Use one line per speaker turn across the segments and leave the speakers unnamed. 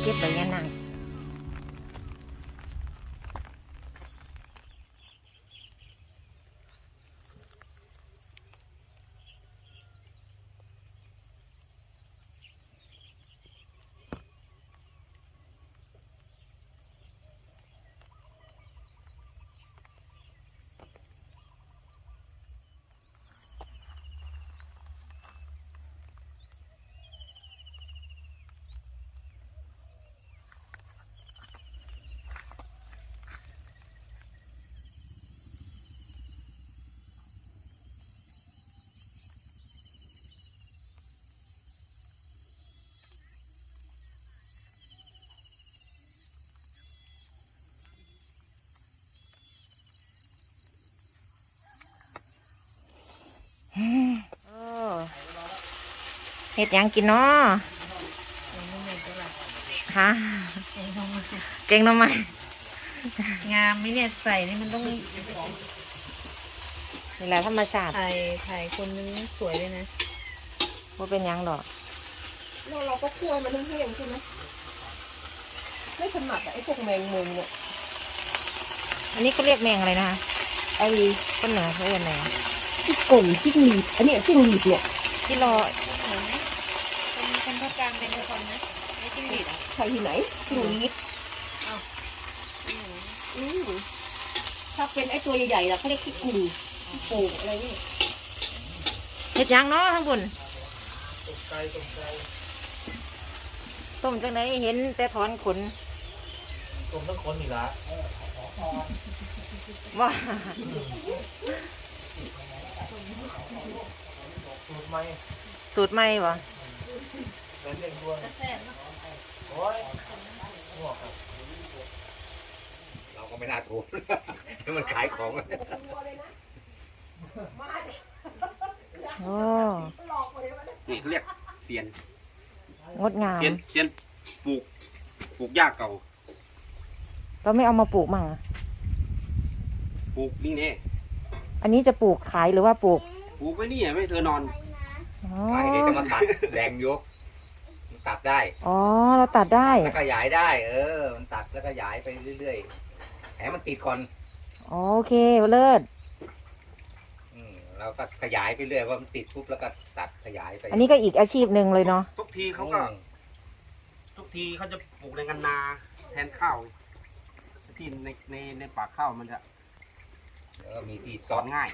ก็บใบยะนางเห็ดยังกินเนาะฮะเก่งทำไม
งามไหมเนี่ยใส่นี่มันต้อง
นี่แหละธรรมชาติ
ถ่ายคนนึงสวยเลยนะ
ว่าเป็นยังดอก
เราก็คั่วมันแห้งๆใช่ไหมไม่ถนัดไอ้พวกแมงมุมเนี่ย
อันนี้ก็เรียกแมงอะไรนะคะไอ้ต้นเหนือเขาเรียกแมง
ที่กลมที่หลีดอันนี้ที่หลีดเนี่ย
ที่รอ
คนภาคกลางเป็นคนนะไม่จิ้งหรีด
ใครที่ไหนที่หลีดถ้าเป็นไอ้ตัวใหญ่ๆล่ะเขาเรียกที่กุ่นที่โป่งอะไรนี่
เห็ดยังเนาะทั้งบุญต้มจังไหนเห็นแต่ถอนขน
ต้มทั้งคนนี่ละ
ว่า
สูตรใหม่
สูตรใหม่วะ
เป็นเด็กดวงโอ้ยหัวครับเราก็ไม่น่าถูกให้มันขายของ
โอ้
นี่เรียกเซียน
งดงาม
เซียนปลูกหญ้าเก่า
เราไม่เอามาปลูกมั่ง
ปลูกนี่เนี่ย
อันนี้จะปลูกขายหรือว่าปลูก
ไว้นี่ไม่เธอนอนไอ้นี่จะมาตัดแรงยกมันตัดได้
อ๋อเราตัดได้
แล้วขยายได้มันตัดแล้วก็ขยายไปเรื่อยๆแหมมันติดก่อน
โอเคเลิศ
เราก็ขยายไปเรื่อยว่ามันติดปุ๊บแล้วก็ตัดขยายไป
อันนี้ก็อีกอาชีพหนึ่งเลยเนาะ
ทุกทีเขาจะปลูกในกันนาแทนข้าวที่ในป่าข้าวมันจะมีที่ซ้อนง่าย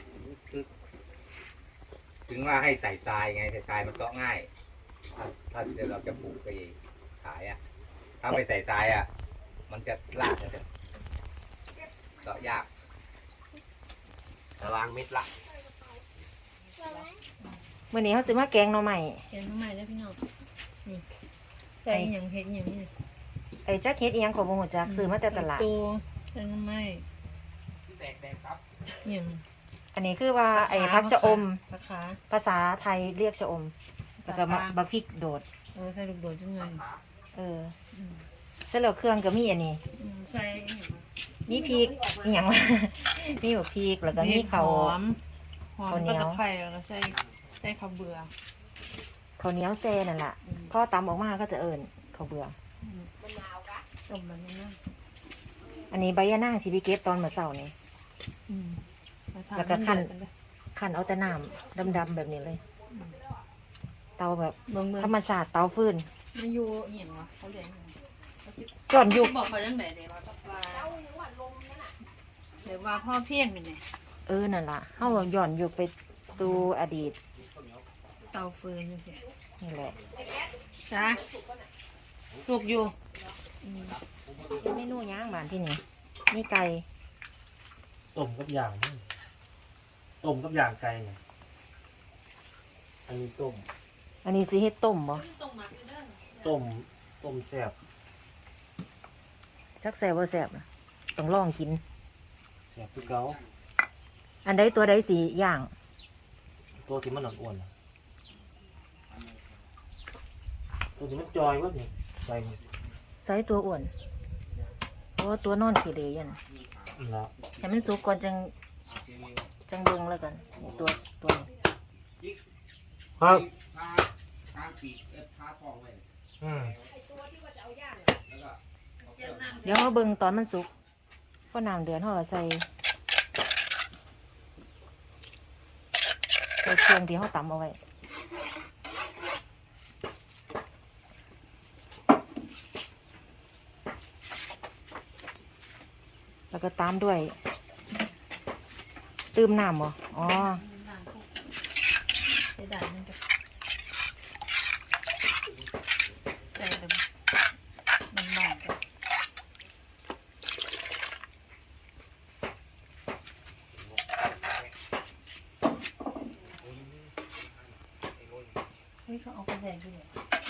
ถึงว่าให้ใส่ทรายไงใส่ทรายมันซ้อง่ายถ้าเราจะปลูกไปขายถ้าไม่ใส่ทรายมันจะลากจะเจาะยากล้างเม็ดละ
เมื่อนี้เขาซื้อมาแกงหน่อใหม่
แกงหน่อใหม่แล้วพี่น้องนี่ใส่อย่างเผ็ดอย่างนี้
ไอ้จักเฮ็ดอีหยังของบ่ฮู้จักซื้อมาแต่ตลาด
ตัวแกงหน่อไม้
แตกครับ
อย่าง
อันนี้คือว่าไอ้ผักชะอมภาษาไทยเรียกชะอมแล้วก็บักพริกโดด
ใส่ลูกโดดจังเลย
เสร็จแล้วเครื่องก็มีอันนี้
ใส่
มีพริกอีหยังมีบักพริกแล้วก็มีข้าว
เหนียวไข่แล้วก็ใส่ข้าวเบื่อ
ข้าวเหนียวแซ่นั่นแหละพอตำออกมาก็จะเอิญข้าวเบื่อ
ต้มมันนั่น
อันนี้ใบยะนางที่พี่เก็บตอนเมื่อเช้านี่แล้วก็ขั้นเอาแต่น้ำดำๆแบบนี้เลยเตาแบบธรรมชาติเตาฟืน
มันอยู่เห็นวะเขาเรียก
ก่อนยุค
บอกเขายังไงเดี๋ยวว่าพ่อเพี้ยงเป็นไง
นั่นล่ะเขาย้อนยุคไปสู่อดีต
เตาฟืน
นี่แหละ
จ้าถูกอยู่
เมนูย่างบ้านที่นี่นี่ไก่
ต้มกับย่างไก่เนี่ยอันนี้ต้ม
อันนี้สิเฮ็ดต้มบ่
ต้มแซ่บ
จักแซ่บบ่แซ่บนะต้องลองกิน
แซ่บคือเก่า
อันใดตัวใดสิย่าง
ตัวที่มันอ้วนตัวที่มันจอยวะนี่
ใส่ตัวอ้วนตัวนอนขี้เหร่ยันให้มันสุกก่อนจังเบิ่งแล้วกันตัว
ครับ
เดี๋ยวเราเบิ่งตอนมันสุกพอน้ำเดือดเราก็ใส่เครื่องที่เราตำเอาไว้แล้วก็ตามด้วยตืมน้ำบ่อ๋อ
ใส่ด่านมันจะใส่แบบมันหมอกอะเฮ้ยเขาเอากระแดงด้วย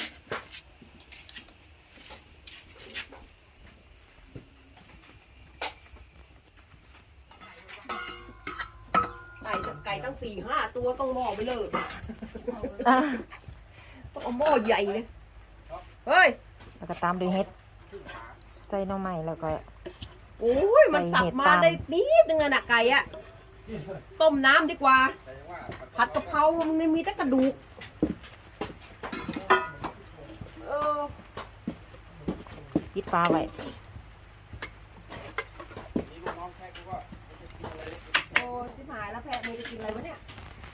ไก่ตั้ง4-5 ตัวต้องหม้อไปเลย
อ่ะ
ต้องเอาหม้อใหญ่เลยเฮ้ย
แล้วก็ตามด้วยเห็ดใส่หน่อไม้แล้วก็
โอ้ยมันสับมาได้นิดนึงอะน่ะไก่อะต้มน้ำดีกว่าผัดกะเพรามันไม่มีแต่กระดูกเออ
ปิดฟ้าไว้
โอ้ชิบหายแล้วแพะมีจะกินอะไรวะเนี่ย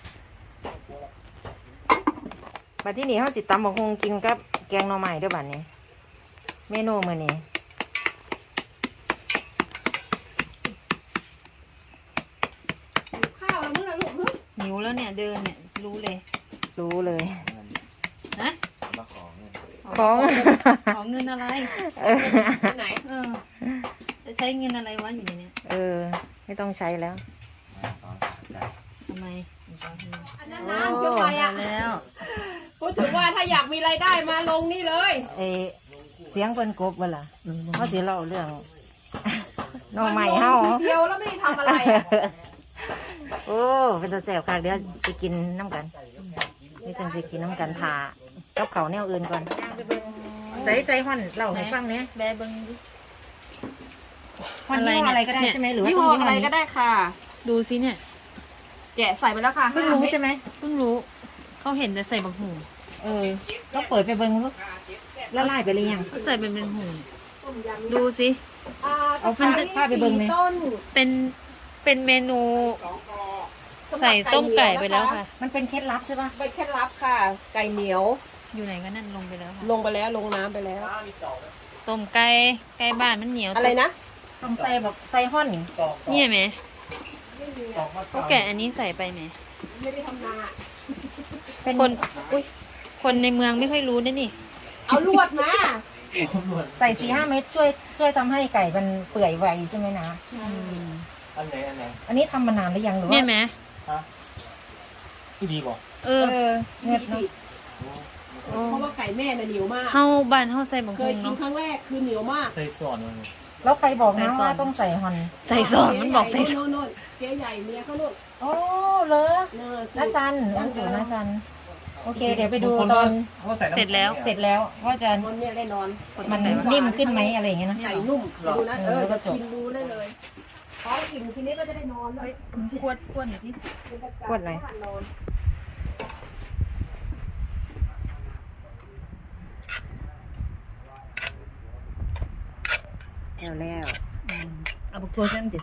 บัดที่นี่เขาสิตำบักฮุงกินกับแกงหน่อไม้เด้วยบัดนี้ เมนูมื้อนี้
หิวข้าวแล้วมึงนะลูก
หิวแล้วเนี่ยเดินเนี่ยรู้เลย
รู้เลย
ฮะ
มาขอเงิน
ของ
ขอเงินอะไร
ที่ไหน
เออจะใช้เงินอะไรวะอยู่ในเนี้ย
ไม่ต้องใช้แล้ว
ทำไม
อันนั้นน้ำเชื่อไปอะ
แล้ว
พูดถึงว่าถ้าอยากมีรายได้มาลงนี่เลย
เสียงเพิ่นกบเวล่ะเขาสิเล่าเรื่อง หน่อไม้เฮา
เดียวแล้วไม่ได้ทำอะไรอะ
โอ้เป็นตัวแสบค่ะเดี๋ยวไปกินน้ำกันนี่จังสิกินน้ำกันทากับเขาวแนวอื่นก่อนใส่ห่อนเล่าให้ฟังเนี้ย
แบเบิ้งดิ
ห่อนยี่ห้ออะไรก็ได้ใช่ไหมหรือว่า
ยี่
ต้
ห้
อง
อ
ยี่ห้
อะไร
อ
ก็
นี้
ได้ค่ะ
ดูซิเนี่ย
แกะใส่ไปแล้วค่ะ
เพิ่งรู้ใช่ไหม
เพิ่งรู้ เขาเห็นแต่ใส่บักหู
ก็เปิดไปเบิ่งลูกละลายไปหรือยัง
เขาใส่เป็นหูดูสิ
เอาผ้าไปเบิ่งไหม
ต้น
เป็นเมนูใส่ต้มไก่ไปแล้วค่ะ
มันเป็นเคล็ดลับใช่ปะ
เป็นเคล็ดลับค่ะ ไก่เหนียว
อยู่ไหนก็นั่นลงไปแล้วค่ะ
ลงไปแล้วลงน้ำไปแล้ว
ต้มไก่ไก่บ้านมันเหนียว
อะไรนะ
ต้องใส่แบบใส่ห่อนนี่
เนี่ยไหมเขาแกะอันนี้ใส่ไปไหม
ไม่ได้ทำนา
เป็น
คนอุ้ยคนในเมืองไม่ค่อยรู้นะนี่
เอาลวดมา
ใส่4-5 เม็ดช่วยทำให้ไก่มันเปื่อยไวใช่ไหมนะ
อันไหน
อันนี้ทำมานานหรือยังหรือว่า
เนี่ยไหม
ที่ดีกว่า
เออ
เงียบเนาะ
เพราะว่าไก่แม่น่ะเหนียวมาก
เฮาบ้านเฮาใส่บัก
เค
หู
ยกิน
เนาะ
ครั้งแรกคือเหนียวมาก
ใส่ส่วนมัน
แล้วใครบอกนะ
ใส่ซอส
ว่าต้องใส่ห่อน
ใส่ซอนมันบอกใส่ซอน
โน่นเจ๊ใหญ่เมียเขาโน่น
โอ้เหรอ
เนอ
น้าชันสูตรน้าชัน โอเค เดี๋ยวไปดูตอน
เขาใส่น้ำ
เสร็จแล้ว
เสร็จแล้วว่าจะ
คนเนี่ยได้นอน
มันนิ่มขึ้นไหมอะไรอย่างเงี้ยนะ
ไก่นุ่มดูนะ
แล้วก็จบ
กินดูได้เลยพอกินทีนี้ก็จะได้นอนเลย
ขวดหน่อยที่
ขวดไหน
นอน
แล้ว
เอาบักทัวร์เส้นดิ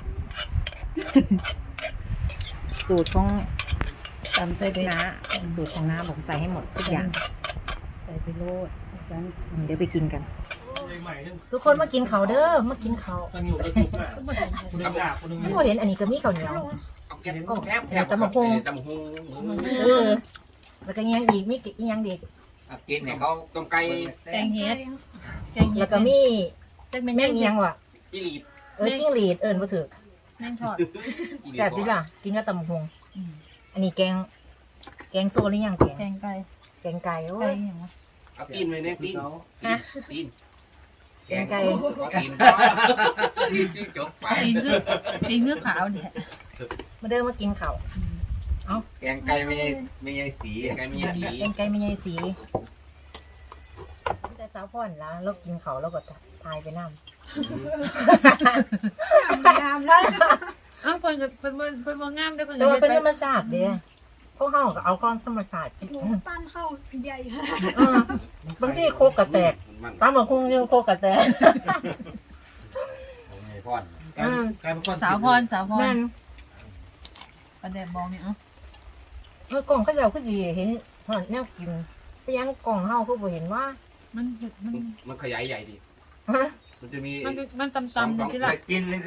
สูตรของตำเต้ยน้าสูตรของน้าบอกใส่ให้หมดทุกอย่าง
ใส่ไปโลด
เดี๋ยวไปกินกัน
ใหม่ๆทั้ง
ทุกคนมากินเขาวเด้อมากินเขาว
ตั้งอยู่แล้วจุกอ่ะคนหนึงด่าคนหนึง
ไม่เห็นอันนี้ก็มีข้าวเหนียว
เอาแก้มแทบ
ตำบักหุ่ง
ตำบักหุ่ง
แล้วก็ยังอีกมีอีกยังเด็ก
อ่ะกินเนี่ยเขาต้มไก่
แกงเฮ็ด
แล้วก็มี
จักเป็น
แม่งเอียงว่ะ
อีหลีด
จิ้งหรีดบ่ถือ
แม่งทอด
อีหลีด
แซ่บดีล่ะกินกับตำบักหุ่งอันนี้แกงโซหรือยังแกง
แกงไก่
แกงไก่โอ้
ไก่
ย
อย่างวะ
เอาตีนเลยเนี่ยตีน
ฮะ
ตีน
แกงไก่
เอาตีนจบไป
ตีเนื้อขาวเนี่ย
มาเดินมากินเขาว
แกงไก่ไม่ใช่สีไก่ไม่ใช่สี
แกงไก่ไม่ใช่สีแต่สาวพ่อนแล้วเรากินเขาวแล้วก็ทายไปน้ำ
อ้าวเพิ่นกับเพิ่นบ่งามเด้อเพิ่น
แต่
ก็
ว่า
เฮ็ด
เป็น
ไป
ธรรมชาติเด้พวกเขาก็เอาความธรรมชาติ
ปั้นเข้าใหญ่
บางทีโคกกระแตกตามมาคุ้งเรียกโคกกระแตก
พ่อน
กลายเป็นก้อน
สาวพรสาวพร
แม่น
ประเดี๋ยวมองนี่เอ้า
กล่องเขาเจ้าคือดีเห็นหอนแนวกินไปยังกล่องเฮาคือบ่เห็นว่า
มัน
มันขยายใหญ่ดี
ฮะ
มันจะมี
มันตำๆอยู่ที่ละ
กิน